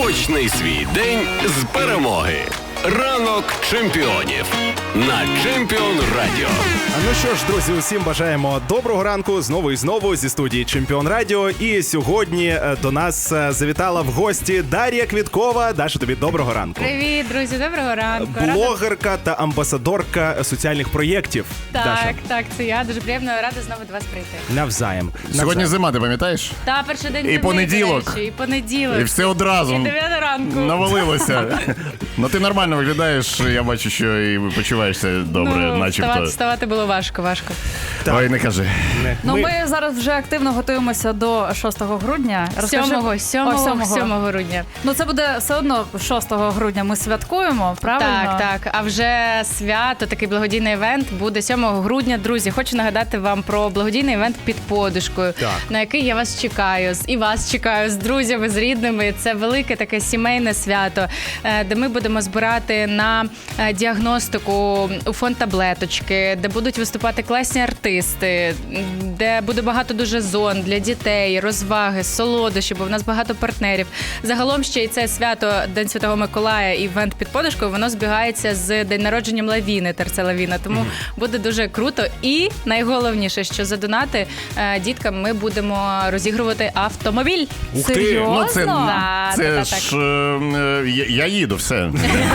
Почни свій день з перемоги. Ранок чемпіонів на Чемпіон Радіо. Ну що ж, друзі, усім бажаємо доброго ранку знову і знову зі студії Чемпіон Радіо. І сьогодні до нас завітала в гості Дар'я Квіткова. Даша, тобі доброго ранку. Привіт, друзі, доброго ранку. Блогерка та амбасадорка соціальних проєктів. Даша. Так, це я. Дуже приємно, рада знову до вас прийти. Навзаєм. Сьогодні зима, ти пам'ятаєш? Та, перший день І зими, понеділок. до речі, і понеділок. І все одразу І 9 ранку. навалилося. Ну ти нормально виглядаєш, я бачу, що і почуваєшся добре, начебто. Вставати було важко. Так. Ой, не кажи. Ну, ми зараз вже активно готуємося до 6 грудня. 7 грудня. Ну, це буде все одно 6 грудня ми святкуємо, правильно? Так. А вже свято, такий благодійний івент буде 7 грудня. Друзі, хочу нагадати вам про благодійний івент «Під подушкою», на який я вас чекаю. І вас чекаю з друзями, з рідними. Це велике таке сімейне свято, де ми будемо збирати на діагностику у фонд таблеточки, де будуть виступати класні артисти, де буде багато дуже зон для дітей, розваги, солодощі, бо в нас багато партнерів. Загалом ще і це свято День Святого Миколая, івент «Під подушкою», воно збігається з день народженням Лавіни, Терце Лавіна, тому буде дуже круто. І найголовніше, що за донати діткам ми будемо розігрувати автомобіль. Ух ти! Серйозно? Ну, це Так. ж я їду, все.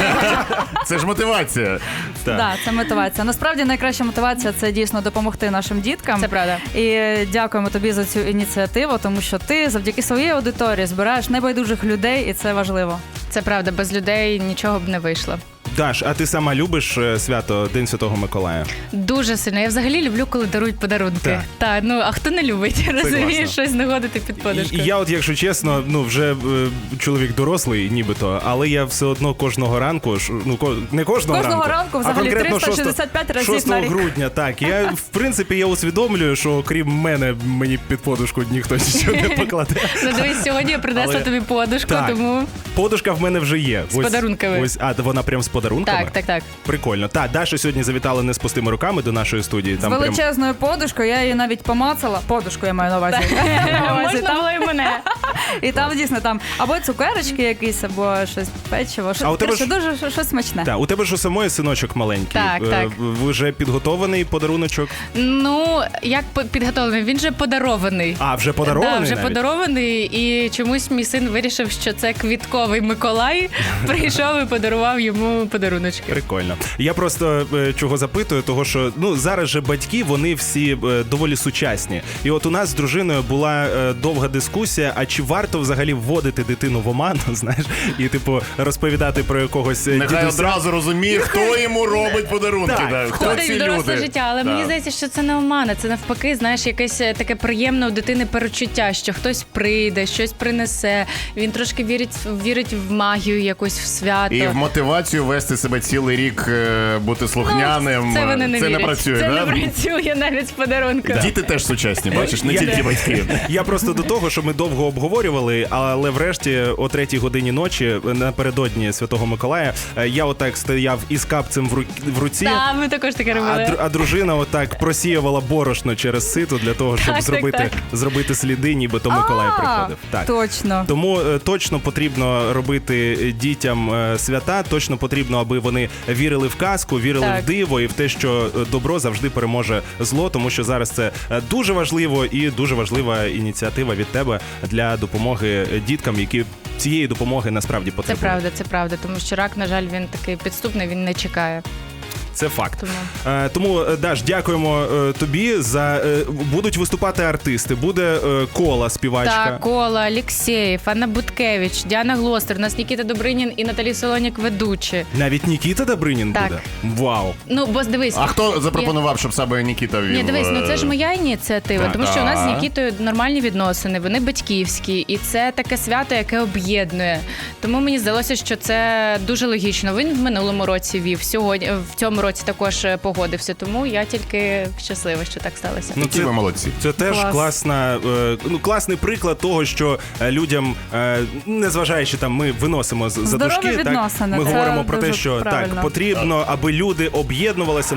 Це ж мотивація. Так, це мотивація. Насправді найкраща мотивація – це дійсно допомогти нашим діткам. Це правда. І дякуємо тобі за цю ініціативу, тому що ти завдяки своїй аудиторії збираєш небайдужих людей, і це важливо. Це правда, без людей нічого б не вийшло. Даш, а ти сама любиш свято День Святого Миколая? Дуже сильно. Я взагалі люблю, коли дарують подарунки. Так, ну а хто не любить? Розумієш, класно. щось знаходити під подушкою. І я от, якщо чесно, вже чоловік дорослий, нібито, але я все одно кожного ранку, не кожного ранку, а взагалі, конкретно 365 разів 6 на рік. грудня, так. В принципі, я усвідомлюю, що крім мене, мені під подушку ніхто нічого не покладе. Ну дивись, сьогодні я принесла Але- тобі подушку, Так. тому... Подушка в мене вже є. З подарунками. Вона прям з подарунками? Так. Прикольно. Так, Даша сьогодні завітала не з пустими руками до нашої студії. З величезною подушкою, я її навіть помацала. Подушку я маю на увазі. Можна було і мене. І там дійсно там або цукерочки якісь, або щось печиво. А у тебе Коротше, ж- дуже щось смачне. Так, у тебе ж у самої синочок маленький. Так. Вже підготований подаруночок? Ну, як підготовлений? Він же подарований. А, вже подарований Так, вже навіть? подарований, і чомусь мій син вирішив, що це квітковий Миколай, прийшов і подарував йому подаруночки. Прикольно. Я просто чого запитую, того що зараз же батьки, вони всі доволі сучасні. І от у нас з дружиною була довга дискусія, а чи варто взагалі вводити дитину в оману, знаєш, і розповідати про якогось Нехай дідуся. одразу розуміє, хто йому робить подарунки. Так. да, Хто Входить ці в доросле люди. життя, але мені здається, що це не омана, це навпаки, знаєш, якесь таке приємне у дитини перечуття, що хтось прийде, щось принесе, він трошки вірить в магію якусь, в свято. І в мотивацію вести себе цілий рік, бути слухняним. Це вони не це вірять. не працює, Це да? не працює навіть з подарунком. Діти теж сучасні, бачиш, не тільки батьки. Я просто до того, що ми довго обговорювали, але врешті о 3-й годині ночі, напередодні Святого Миколая, я отак стояв із капцем в руці, Так, ми також таке робили. а дружина отак просіювала борошно через сито для того, щоб Так. зробити сліди, нібито Миколай приходив. Так. Точно. Тому точно потрібно робити дітям свята, точно потрібно, аби вони вірили в казку, вірили Так. в диво і в те, що добро завжди переможе зло, тому що зараз це дуже важливо і дуже важлива ініціатива від тебе для допомоги діткам, які цієї допомоги насправді потребують. Це правда, тому що рак, на жаль, він такий підступний, він не чекає. Це факт. Тому. Тому, Даш, дякуємо тобі за... Будуть виступати артисти, буде Кола, співачка. Так, Кола, Алєксєєв, Анна Буткевич, Діана Глостер, у нас Нікіта Добринін і Наталі Солонік ведучі. Навіть Нікіта Добринін Так. буде? Вау! Ну, бо дивись. А хто запропонував, щоб саме Нікіта вів? Ні, дивись, це ж моя ініціатива, Так. тому що у нас з Так. Нікітою нормальні відносини, вони батьківські, і це таке свято, яке об'єднує. Тому мені здалося, що це дуже логічно. Він в минулому році вів, сьогодні, в цьому році також погодився, тому я тільки щаслива, що так сталося. Ну, ці ви молодці. Це теж Клас. класний приклад того, що людям, незважаючи там, ми виносимо за Здорові дужки, так, відносини, ми це говоримо про те, дуже що правильно. так, потрібно, аби люди об'єднувалися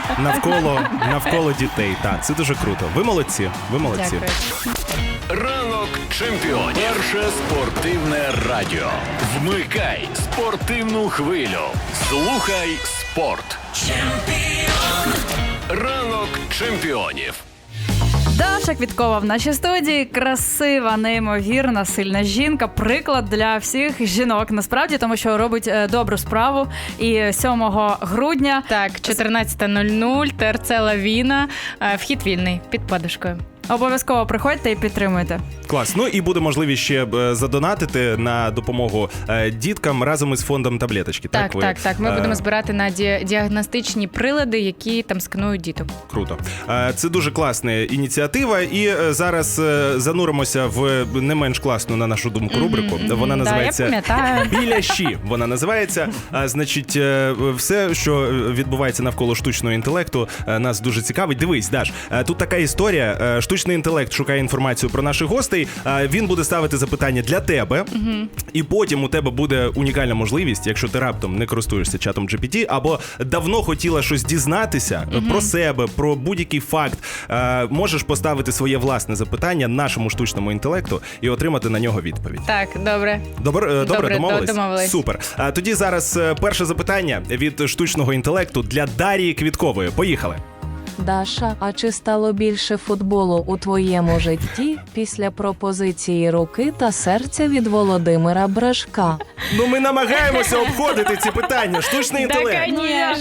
навколо дітей. Так, це дуже круто. Ви молодці. Дякую. Ранок Ранок чемпіонів. Перше спортивне радіо. Вмикай спортивну хвилю. Слухай спорт. Ранок чемпіонів. Даша Квіткова в нашій студії. Красива, неймовірна, сильна жінка. Приклад для всіх жінок, насправді, тому що робить добру справу. І 7 грудня... Так, 14:00, ТРЦ «Лавіна», вхід вільний, під подушкою. Обов'язково приходьте і підтримуйте. Клас. Ну і буде можливість ще задонатити на допомогу діткам разом із фондом таблеточки. Так. Ми будемо збирати на діагностичні прилади, які там сканують діток. Круто. Це дуже класна ініціатива. І зараз зануримося в не менш класну, на нашу думку, рубрику. Вона називається я пам'ятаю. «Біляші». Вона називається. Значить, все, що відбувається навколо штучного інтелекту, нас дуже цікавить. Дивись, Даш, тут така історія. Штучний інтелект шукає інформацію про наших гостей. Він буде ставити запитання для тебе. І потім у тебе буде унікальна можливість, якщо ти раптом не користуєшся чатом GPT, або давно хотіла щось дізнатися про себе, про будь-який факт, можеш поставити своє власне запитання нашому штучному інтелекту і отримати на нього відповідь. Так, добре. Добре, домовились? Домовились. Супер. Тоді зараз перше запитання від штучного інтелекту для Дарії Квіткової. Поїхали. Даша, а чи стало більше футболу у твоєму житті після пропозиції руки та серця від Володимира Бражка? Ну ми намагаємося обходити ці питання. Штучний інтелект.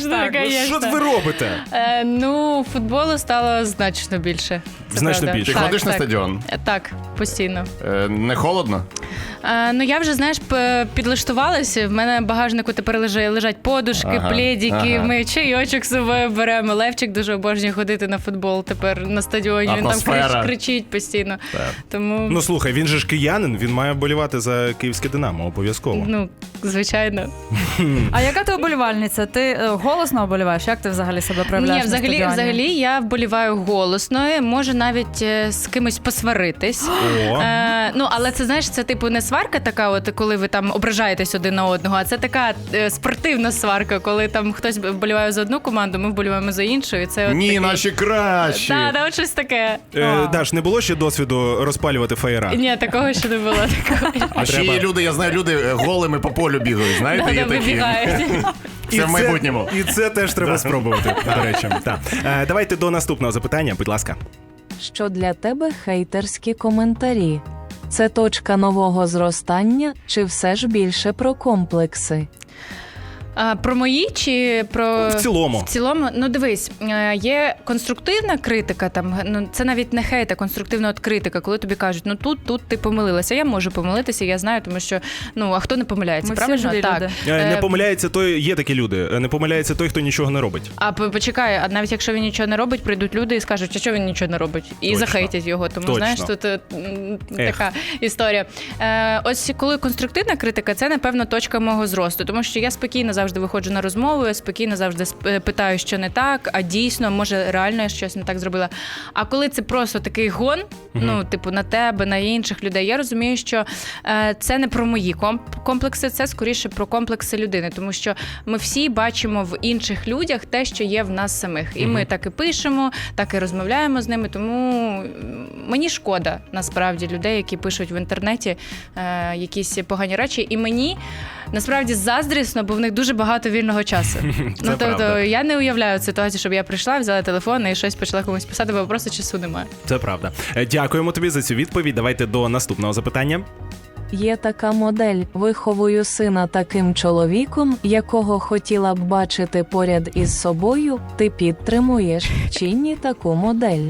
Що ви робите? Ну, футболу стало значно більше. Це Значно правда. більше. Ти ходиш на стадіон? Так, постійно. Не холодно? Ну, я вже, знаєш, підлаштувалася. В мене в багажнику тепер лежать подушки, плєдіки, ми чайочок з собою беремо. Левчик дуже обожнює ходити на футбол тепер на стадіоні. Він Атмосфера. там кричить постійно. Тому, Ну слухай, він же ж киянин, він має болівати за київське Динамо, обов'язково. ну, звичайно. А яка ти оболівальниця? Ти голосно оболіваєш? Як ти взагалі себе проявляєш Ні, на стадіоні? взагалі я вболіваю голосно, можу навіть з кимось посваритись. О. Ну, але це, знаєш, це типу не сварка така, от коли ви там ображаєтесь один на одного, а це така спортивна сварка, коли там хтось вболіває за одну команду, ми вболіваємо за іншу. І це от Ні, такий... наші кращі. Так, от щось таке. Даш, не було ще досвіду розпалювати фаєра? Ні, такого ще не було. А ще є люди, я знаю, люди голими по полю бігають, знаєте, є такі. Вибігають. Це в майбутньому. І це теж треба спробувати, до речі. Так. Давайте до наступного запитання, будь ласка. Що для тебе хейтерські коментарі? Це точка нового зростання чи все ж більше про комплекси? Про мої чи про... В цілому. В цілому, ну дивись, є конструктивна критика, там, ну, це навіть не хейт, а конструктивна от критика, коли тобі кажуть, ну тут ти помилилася. Я можу помилитися, я знаю, тому що, ну, а хто не помиляється, Ми всі правильно? живі Так. люди. Не помиляється той, є такі люди, не помиляється той, хто нічого не робить. А почекай, а навіть якщо він нічого не робить, прийдуть люди і скажуть, а що він нічого не робить? І Точно. захейтять його. Тому, Точно. знаєш, тут така історія. Ось коли конструктивна критика, це, напевно, точка мого зросту. Тому що я спокійно завжди виходжу на розмову, я спокійно завжди питаю, що не так, а дійсно, може, реально я щось не так зробила. А коли це просто такий гон, ну, типу, на тебе, на інших людей, я розумію, що це не про мої комплекси, це скоріше про комплекси людини. Тому що ми всі бачимо в інших людях те, що є в нас самих. І ми так і пишемо, так і розмовляємо з ними. Тому мені шкода, насправді, людей, які пишуть в інтернеті якісь погані речі. І мені, насправді, заздрісно, бо в них дуже багато вільного часу. Ну, тобто, я не уявляю ситуацію, щоб я прийшла, взяла телефон і щось почала комусь писати, бо просто часу немає. Це правда. Дякуємо тобі за цю відповідь. Давайте до наступного запитання. Є така модель «Виховую сина таким чоловіком, якого хотіла б бачити поряд із собою». Ти підтримуєш чи ні таку модель?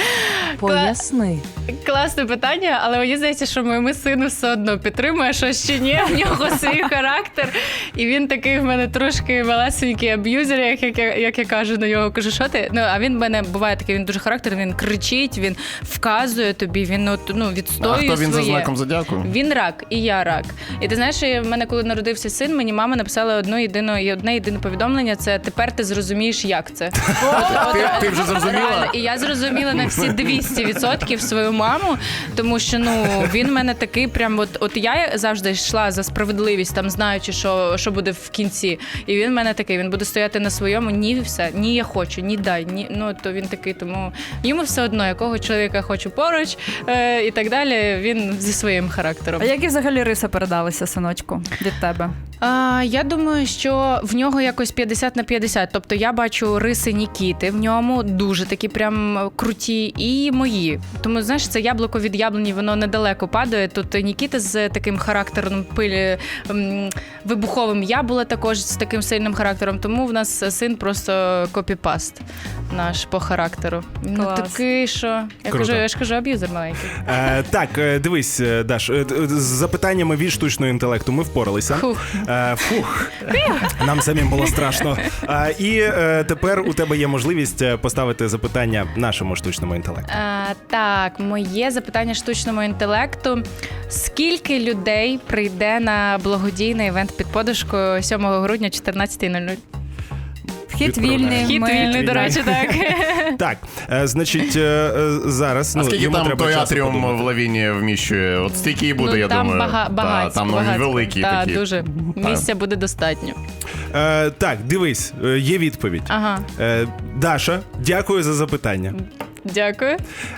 Поясни. Класне питання, але мені здається, що моєму сину все одно підтримує, що ще ні, в нього свій характер. І він такий в мене трошки малесенький аб'юзер, як я кажу на нього. Кажу, що ти? Ну, а він в мене буває такий, він дуже характерний, він кричить, він вказує тобі, він відстоює своє. А хто він за знаком зодіаку? Він рак, і я рак. І ти знаєш, в мене, коли народився син, мені мама написала одне єдине повідомлення, це «Тепер ти зрозумієш, як це». Ти вже зрозуміла? І я зрозуміла на всі 200. 200% свою маму, тому що, ну, він в мене такий прям, от я завжди йшла за справедливість, там, знаючи, що буде в кінці. І він в мене такий, він буде стояти на своєму, ні, все, ні, я хочу, ні, дай, ні. Ну, то він такий, тому йому все одно, якого чоловіка хочу поруч і так далі, він зі своїм характером. А які взагалі риси передалися, синочку, від тебе? Я думаю, що в нього якось 50/50. Тобто я бачу риси Нікіти в ньому, дуже такі прям круті, і мої. Тому, знаєш, це яблуко від яблуні, воно недалеко падає. Тут Нікіта з таким характером вибуховим. Я була також з таким сильним характером. Тому в нас син просто копіпаст наш по характеру. Він такий, що... Я ж кажу, аб'юзер маленький. Так, дивись, Даш, з запитаннями від штучного інтелекту ми впоралися. Фух. Нам самим було страшно. І тепер у тебе є можливість поставити запитання нашому штучному інтелекту. Так, моє запитання штучному інтелекту. Скільки людей прийде на благодійний івент під подушкою 7 грудня 14:00? Вхід вільний. Вхід вільний, до речі, так. Так, значить, зараз... А скільки йому там треба той часу атріум подумати. в Лавіні вміщує? От стільки і буде, я там думаю. багато. Там великі Так, такі. дуже. Місця буде достатньо. Так, дивись, є відповідь. Ага. Даша, дякую за запитання. Дякую.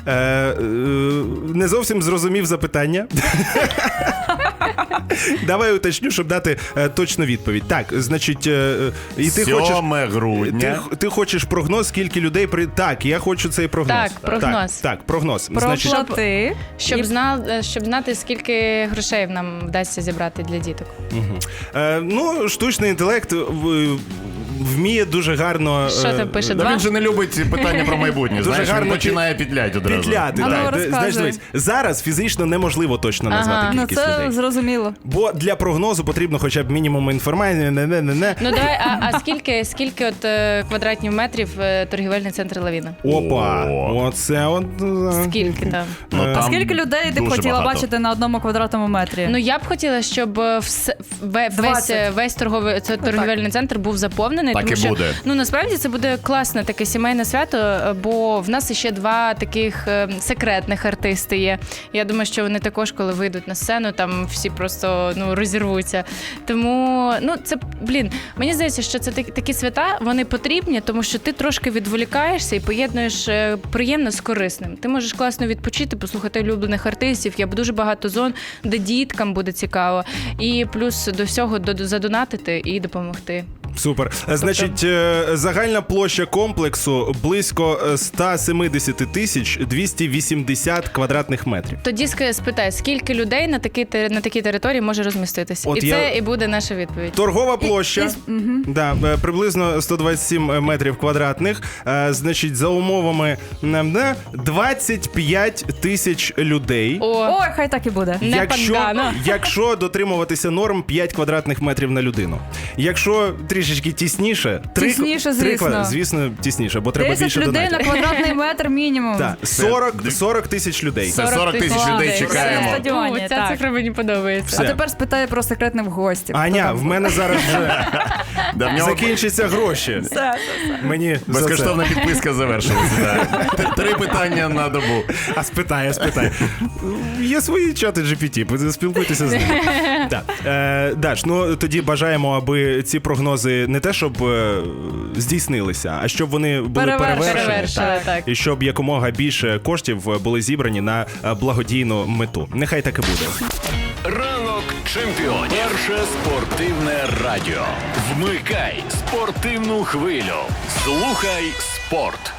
Не зовсім зрозумів запитання. Давай уточню, щоб дати точну відповідь. Так, значить, і ти 7 хочеш... грудня. Ти хочеш прогноз, скільки людей прийде? Так, я хочу цей прогноз. Так, прогноз. Так, прогноз. Проплати. Щоб знати, скільки грошей нам вдасться зібрати для діток. Ну, штучний інтелект вміє дуже гарно... Що там пише? Та 2? він же не любить питання про майбутнє. Дуже Знаєш, гарно він починає петляти одразу. Петляти, А ну, так. розказуй. Знаєш, дивись, зараз фізично неможливо точно назвати Ну, кількість це людей. зрозуміло. Бо для прогнозу потрібно хоча б мінімум інформації. Ну давай, а скільки от квадратних метрів торгівельний центр Лавіна? Опа, О. оце от... Скільки там? Ну, А там скільки людей ти б дуже хотіла багато. бачити на 1 квадратному метрі? Ну я б хотіла, щоб весь торгівельний центр був заповнений. Так тому і що, буде. ну насправді це буде класне таке сімейне свято, бо в нас ще 2 таких секретних артисти є. Я думаю, що вони також, коли вийдуть на сцену, там всі просто розірвуться. Тому, це, мені здається, що це такі свята, вони потрібні, тому що ти трошки відволікаєшся і поєднуєш приємне з корисним. Ти можеш класно відпочити, послухати улюблених артистів. Є дуже багато зон, де діткам буде цікаво. І плюс до всього задонатити і допомогти. Супер. Значить, загальна площа комплексу близько 170 280 квадратних метрів. Тоді спитай, скільки людей на такій території може розміститися? От і я- це і буде наша відповідь. Торгова площа, приблизно 127 метрів квадратних. Значить, за умовами 25 тисяч людей. Ой, хай так і буде. Не пангано. Якщо дотримуватися норм 5 квадратних метрів на людину. Якщо трішечки тісніше, Тісніше, звісно. звісно, тісніше, бо треба 10 більше людей на донатів. квадратний метр мінімум. Так, 40 тисяч людей. Це 40 тисяч людей чекаємо. Все. Стадіоні, Ця так. цифра мені подобається. Все. А тепер спитай про секретних гостів. Аня, в мене зараз вже Да, в нього закінчаться гроші. Мені за це. безкоштовна підписка завершилася. да. 3 питання на добу. А спитай. Є свої чати GPT, спілкуйтеся з ними. Так. Даш, тоді бажаємо, аби ці прогнози не те, щоб здійснилися, а щоб вони були перевершені. Перевершили, так. І щоб якомога більше коштів були зібрані на благодійну мету. Нехай так і буде. Ранок чемпіонів. Перше спортивне радіо. Вмикай спортивну хвилю. Слухай спорт.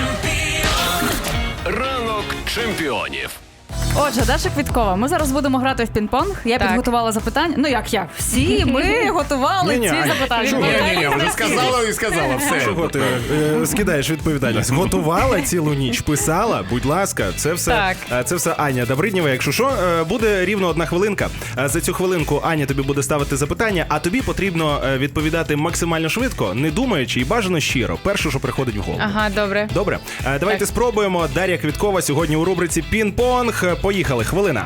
Ранок чемпіонів. Отже, Даша Квіткова, ми зараз будемо грати в пінг-понг. Я Так. підготувала запитання. Ну як? Всі ми готували Ні-ні, ці Аня, запитання. Ні, вже сказала і сказала. Все. Чого ти скидаєш відповідальність? Готувала цілу ніч, писала, будь ласка, це все, це все Аня Добриднєва. Якщо що, буде рівно 1 хвилинка. За цю хвилинку Аня тобі буде ставити запитання, а тобі потрібно відповідати максимально швидко, не думаючи і бажано щиро. Перше, що приходить в голову. Ага, добре. Добре, давайте Так. спробуємо. Дар'я Квіткова сьогодні у рубриці «Пінг-понг». Поїхали, хвилина.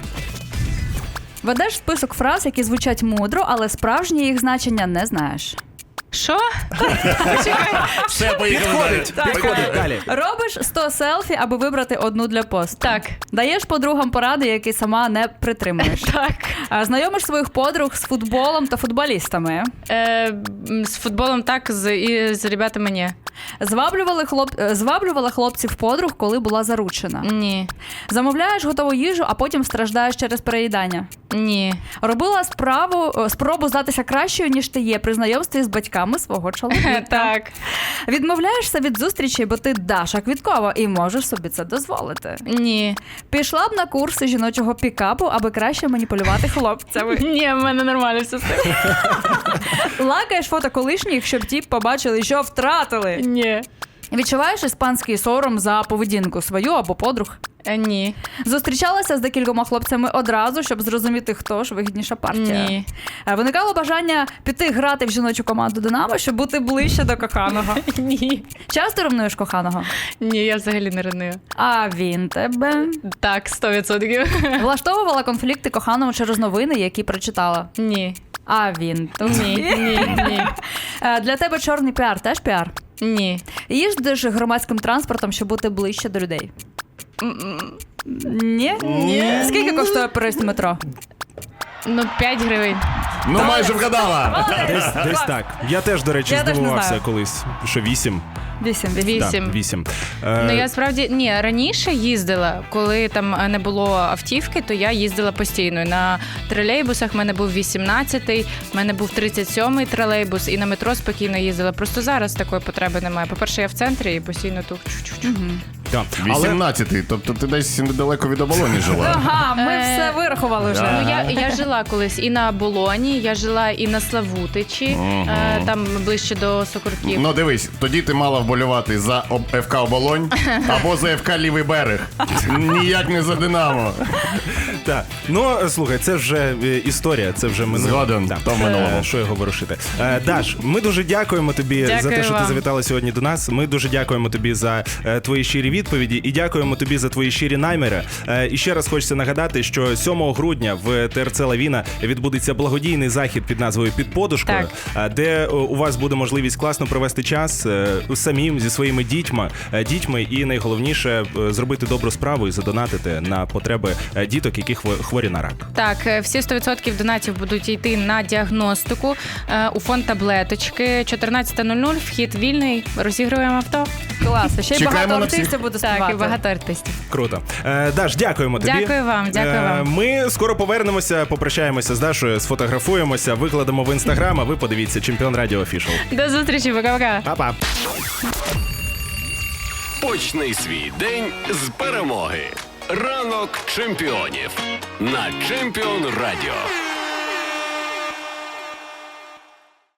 Ведеш список фраз, які звучать мудро, але справжнє їх значення не знаєш. Що? Все, поїхали далі. Підходить далі. Робиш 100 селфі, аби вибрати одну для посту. Так. Даєш подругам поради, які сама не притримуєш. Так. Знайомиш своїх подруг з футболом та футболістами. З футболом так, і з ребятами ні. Зваблювала хлопців подруг, коли була заручена. Ні. Замовляєш готову їжу, а потім страждаєш через переїдання. Ні. Робила спробу здатися кращою, ніж ти є при знайомстві з батьками свого чоловіка. Так. Відмовляєшся від зустрічі, бо ти Даша Квіткова і можеш собі це дозволити. Ні. Пішла б на курси жіночого пікапу, аби краще маніпулювати хлопцями. Ні, в мене нормально все з тим. Лакаєш фото колишніх, щоб ті побачили, що втратили. Ні. Відчуваєш іспанський сором за поведінку свою або подруг. Ні. Зустрічалася з декількома хлопцями одразу, щоб зрозуміти, хто ж вигідніша партія. Ні. Виникало бажання піти грати в жіночу команду «Динамо», щоб бути ближче до коханого. Ні. Часто ревнуєш коханого? Ні, я взагалі не реную. А він тебе? Так, 100%. Влаштовувала конфлікти коханому через новини, які прочитала? Ні. А він? Ні. Для тебе чорний піар теж піар? Ні. Їздиш громадським транспортом, щоб бути ближче до людей? Ні? Ні. Скільки коштує проїзд у метро? 5 гривень. Ну, майже вгадала. Десь так. Я теж, до речі, Я теж не здивувався знаю. колись, що 8. 8. 8. Так, 8. Я справді раніше їздила, коли там не було автівки, то я їздила постійно. На тролейбусах в мене був 18-й, в мене був 37-й тролейбус, і на метро спокійно їздила. Просто зараз такої потреби немає. По-перше, я в центрі і постійно тут. Так. Але 18-й, тобто ти десь недалеко від оболоні жила. Ага, ми все вирахували вже. Да. Ну, я жила колись і на Болоні, я жила і на Славутичі, там ближче до Сокурків. Ну дивись, тоді ти мала вболювати за ФК Оболонь або за ФК Лівий берег. Ніяк не за Динамо. так. Ну, слухай, це вже історія, це вже минуле. Згоден, Так. то в минулому. Що його ворушити. Даш, ми дуже дякуємо тобі за те, Дякую що ти вам. завітала сьогодні до нас. Ми дуже дякуємо тобі за твої щирі відповіді і дякуємо тобі за твої щирі наміри. І ще раз хочеться нагадати, що 7 грудня в ТРЦ «Лавіна» відбудеться благодійний захід під назвою «Під подушкою», де у вас буде можливість класно провести час самим зі своїми дітьми і найголовніше зробити добру справу і задонатити на потреби діток, які хворі на рак. Так, всі 100% донатів будуть йти на діагностику у фонд таблеточки. 14:00, вхід вільний, розігруємо авто. Клас. Ще й Чекаємо багато на всіх. артистів буде Так, і співати. багато артистів. Круто. Даш, дякуємо тобі. Дякую вам, дякую вам. Ми скоро повернемося, попрощаємося з Дашою, сфотографуємося, викладемо в Інстаграм, а ви подивіться «Чемпіон Радіо Офішал». До зустрічі, пока-пока. Па-па. Почни свій день з перемоги. Ранок чемпіонів на Чемпіон Радіо.